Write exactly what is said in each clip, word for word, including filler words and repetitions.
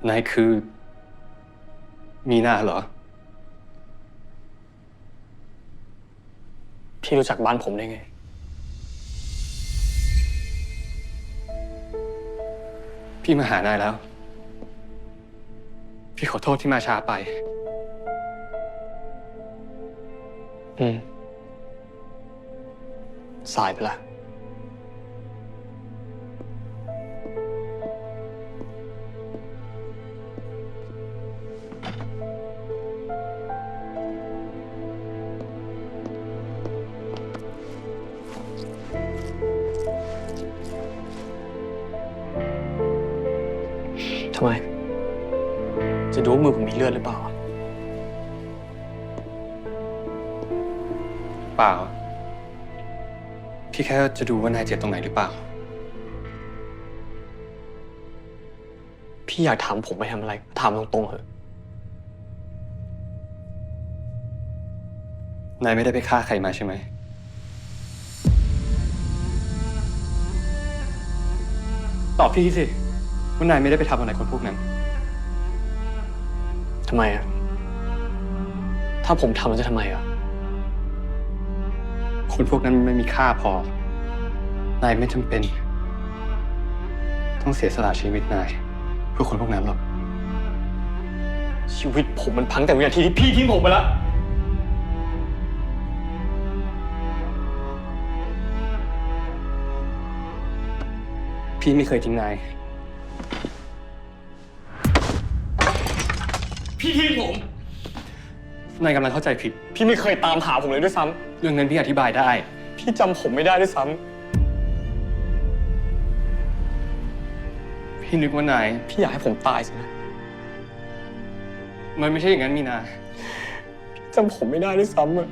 นายคือมีนาเหรอพี่รู้จักบ้านผมได้ไงพี่มาหานายแล้ว พี่ขอโทษที่มาช้าไปอืมสายไปละทำไม จะดูว่ามือผมมีเลือดหรือเปล่าเปล่า พี่แค่จะดูว่านายเจ็บตรงไหนหรือเปล่าพี่อยากถามผมไปทำอะไรถามตรงๆเถอะนายไม่ได้ไปฆ่าใครมาใช่ไหมตอบพี่สิว่านายไม่ได้ไปทำอะไรคนพวกนั้นทำไมอ่ะ ถ้าผมทำมันจะทำไมอ่ะคนพวกนั้นไม่มีค่าพอ นายไม่จำเป็น ต้องเสียสละชีวิตนายเพื่อคนพวกนั้นหรอกชีวิตผมมันพังแต่วินาทีที่พี่ทิ้งผมไปแล้วพี่ไม่เคยทิ้งนายพี่ทิ้งผมนายกำลังเข้าใจผิดพี่ไม่เคยตามหาผมเลยด้วยซ้ำเรื่องนั้นพี่อธิบายได้พี่จำผมไม่ได้ด้วยซ้ำพี่นึกว่านายพี่อยากให้ผมตายสินะมันไม่ใช่อย่างนั้นมีนาพี่จำผมไม่ได้ด้วยซ้ำอะ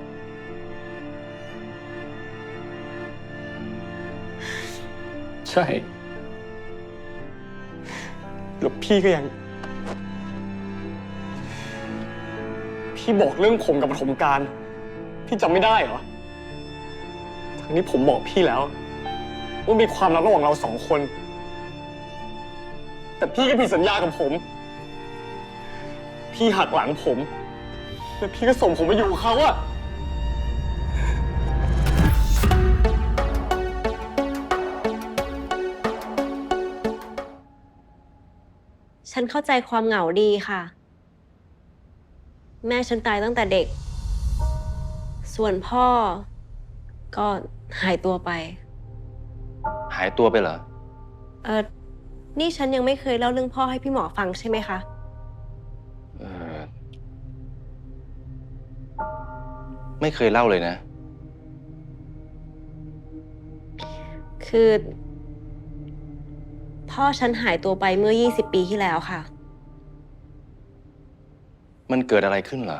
ใช่แล้วพี่ก็ยัง พี่บอกเรื่องผมกับปฐมกาลพี่จำไม่ได้เหรอ ทั้งนี้ผมบอกพี่แล้วว่ามีความลับระหว่างเราสองคน แต่พี่ก็ผิดสัญญากับผม พี่หักหลังผม แล้วพี่ก็ส่งผมไปอยู่กับเขาอะฉันเข้าใจความเหงาดีค่ะ แม่ฉันตายตั้งแต่เด็ก ส่วนพ่อก็หายตัวไปหายตัวไปเหรอเออนี่ฉันยังไม่เคยเล่าเรื่องพ่อให้พี่หมอฟังใช่ไหมคะเออ ไม่เคยเล่าเลยนะคือ พ่อฉันหายตัวไปเมื่อยี่สิบปีที่แล้วค่ะมันเกิดอะไรขึ้นเหรอ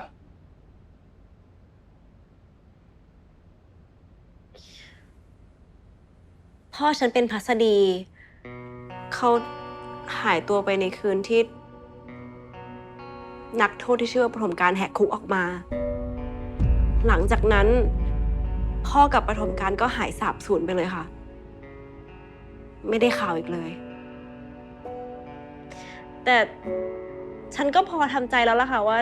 พ่อฉันเป็นพัสดี เขาหายตัวไปในคืนที่ นักโทษที่ชื่อว่าปฐมกาลแหกคุกออกมา หลังจากนั้น พ่อกับปฐมกาลก็หายสาบสูญไปเลยค่ะ ไม่ได้ข่าวอีกเลย แต่ฉันก็พอทำใจแล้วล่ะค่ะว่า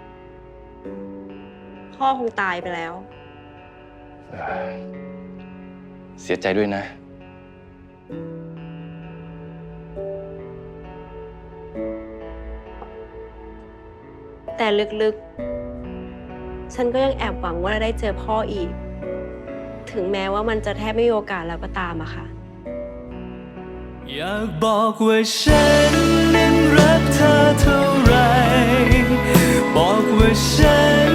พ่อคงตายไปแล้วเสียใจด้วยนะแต่ลึกๆ ฉันก็ยังแอบหวังว่าจะได้เจอพ่ออีก ถึงแม้ว่ามันจะแทบไม่มีโอกาสแล้วก็ตามอะค่ะอยากบอกว่าฉันนั้นรักเธอเท่าไร บอกว่าฉัน